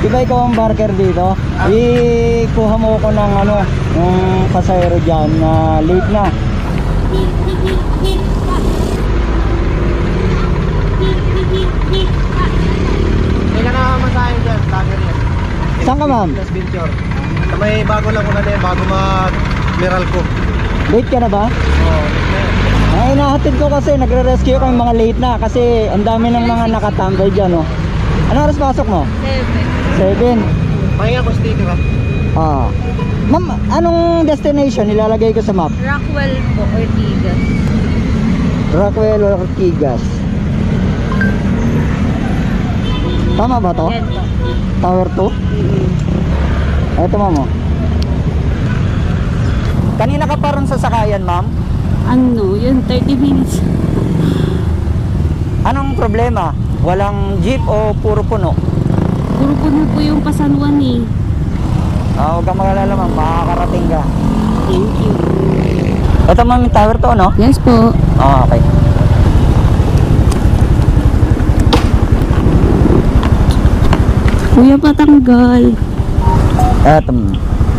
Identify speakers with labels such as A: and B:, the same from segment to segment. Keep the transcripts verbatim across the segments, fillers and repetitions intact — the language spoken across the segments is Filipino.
A: Di ba ikaw ang barker dito? Ikuha mo ko ng ano, yung pasahero dyan na late na.
B: May nakakamasahin dyan, tagger yan.
A: Saan ka, ma'am?
B: Plus Venture. Sa may bago lang una na yan, bago mag-miral ko.
A: Late ka na ba?
B: Oo.
A: Ay, nahatid ko kasi nagre-rescue kami mga late na kasi ang dami ng mga nakatambay dyan, oh. Ano oras pasok mo? seven.
B: Pahinga ko sticker ha.
A: Ah. Ma'am, anong destination ilalagay ko sa map?
C: Rockwell po, Ortigas.
A: Rockwell or Ortigas. Tama ba to?
C: Yan po.
A: Tower two? Eto, ma'am, oh. Kanina ka pa ron sa sakayan, ma'am?
C: Ano, yun, thirty minutes.
A: Anong problema? Walang jeep o puro puno?
C: Puro puno po yung pasanuan eh.
A: Ah, huwag kang magalala, ma'am. Makakarating ka.
C: Thank you.
A: Ito, ma'am, yung tower to, no?
C: Yes po.
A: Ah, okay.
C: Kuya, patanggal.
A: Eto, ma'am.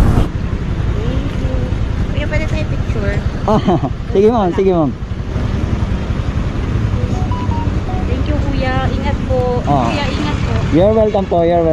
C: Kuya, pwede tayo picture?
A: Ah, sige, ma'am. Sige, ma'am.
C: Thank you, kuya. Ingat po.
A: Ah.
C: Kuya, ingat po.
A: You're welcome po. You're welcome.